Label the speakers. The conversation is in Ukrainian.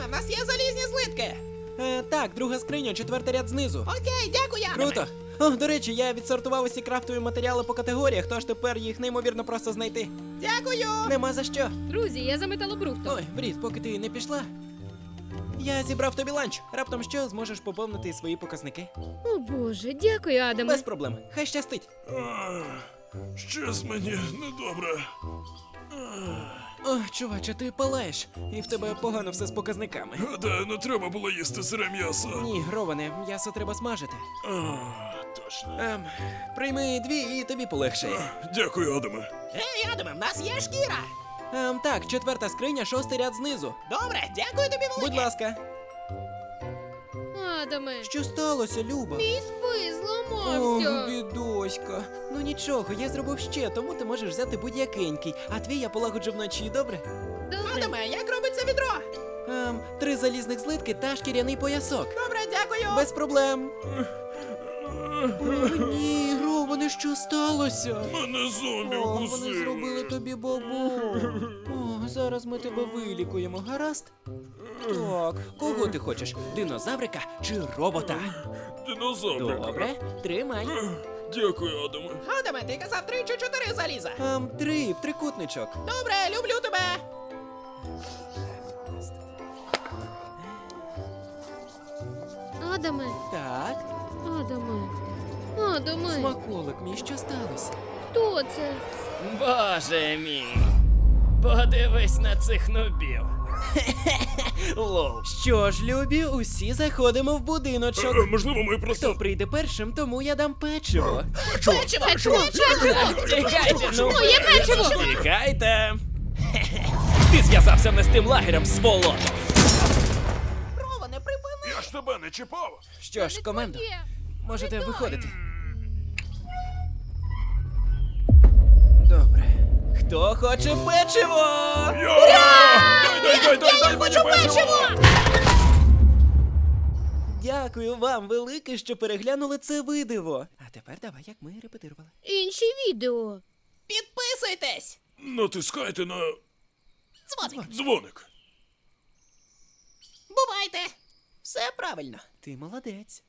Speaker 1: в нас є залізні злитки.
Speaker 2: Так, друга скриня, 4-й ряд знизу.
Speaker 1: Окей, дякую, Адаме.
Speaker 2: Круто. О, до речі, я відсортував усі крафтові матеріали по категоріях, тож тепер їх неймовірно просто знайти.
Speaker 1: Дякую.
Speaker 2: Нема за що.
Speaker 3: Друзі, я за металобрухтом.
Speaker 2: Ой, Брід, поки ти не пішла. Я зібрав тобі ланч. Раптом що, зможеш поповнити свої показники?
Speaker 3: О боже, дякую, Адаме.
Speaker 2: Без проблем. Хай щастить.
Speaker 4: Щось мені недобре.
Speaker 2: О, чуваче, ти палаєш. І в тебе погано все з показниками.
Speaker 4: Гадаю, не треба було їсти сире м'ясо.
Speaker 2: Ні, Роване, м'ясо треба смажити.
Speaker 4: Точно.
Speaker 2: Прийми 2 і тобі полегшає.
Speaker 4: Дякую, Адаме.
Speaker 1: Ей, Адаме, в нас є шкіра.
Speaker 2: Так, 4-та скриня, 6-й ряд знизу.
Speaker 1: Добре, дякую тобі велике.
Speaker 2: Будь ласка.
Speaker 3: Адаме,
Speaker 2: Що сталося, Люба?
Speaker 3: мій спис
Speaker 2: Ох,
Speaker 3: зламався.
Speaker 2: бідоська. Ну нічого, я зробив ще, тому ти можеш взяти будь-якенький. А твій я полагоджу вночі, добре?
Speaker 3: Добре.
Speaker 1: Адаме, як робиться відро?
Speaker 2: 3 залізних злитки та шкіряний поясок.
Speaker 1: Добре, дякую.
Speaker 2: Без проблем. О, ні, Роване, що сталося?
Speaker 4: Мене зомбі
Speaker 2: О, вони
Speaker 4: вкусили.
Speaker 2: зробили тобі бабу. О, зараз ми тебе вилікуємо, гаразд? Так, кого ти хочеш? Динозаврика чи робота?
Speaker 4: Динозаврика.
Speaker 2: Добре, тримай.
Speaker 4: Дякую, Адаме.
Speaker 1: Адаме, ти казав 3 чи 4 заліза.
Speaker 2: 3 в трикутничок.
Speaker 1: Добре, люблю тебе.
Speaker 3: Адаме,
Speaker 2: Так,
Speaker 3: Адаме, Адаме,
Speaker 2: смаколик мій, що сталося?
Speaker 3: хто це?
Speaker 5: Боже мій. Подивись на цих нубів. Лол.
Speaker 2: Що ж, любі, усі заходимо в будиночок.
Speaker 4: Можливо, ми
Speaker 2: Хто
Speaker 4: просто...
Speaker 2: прийде першим, тому я дам печиво.
Speaker 3: Печиво!
Speaker 5: Тікайте, ну.
Speaker 3: Моє печиво!
Speaker 5: Тікайте. Ти зв'язався не з тим лагерем, сволото.
Speaker 1: Роване, припини.
Speaker 4: Я ж тебе не чіпав.
Speaker 2: Що ж, командо,
Speaker 3: Є.
Speaker 2: можете виходити. Добре. Хто хоче печиво?
Speaker 4: Дай мені печиво!
Speaker 2: Дякую вам велике, що переглянули це видиво. А тепер давай, як ми репетирували.
Speaker 3: Інші відео.
Speaker 1: Підписуйтесь.
Speaker 4: Натискайте на
Speaker 1: Дзвоник.
Speaker 4: дзвоник.
Speaker 1: Бувайте.
Speaker 2: Все правильно. Ти молодець.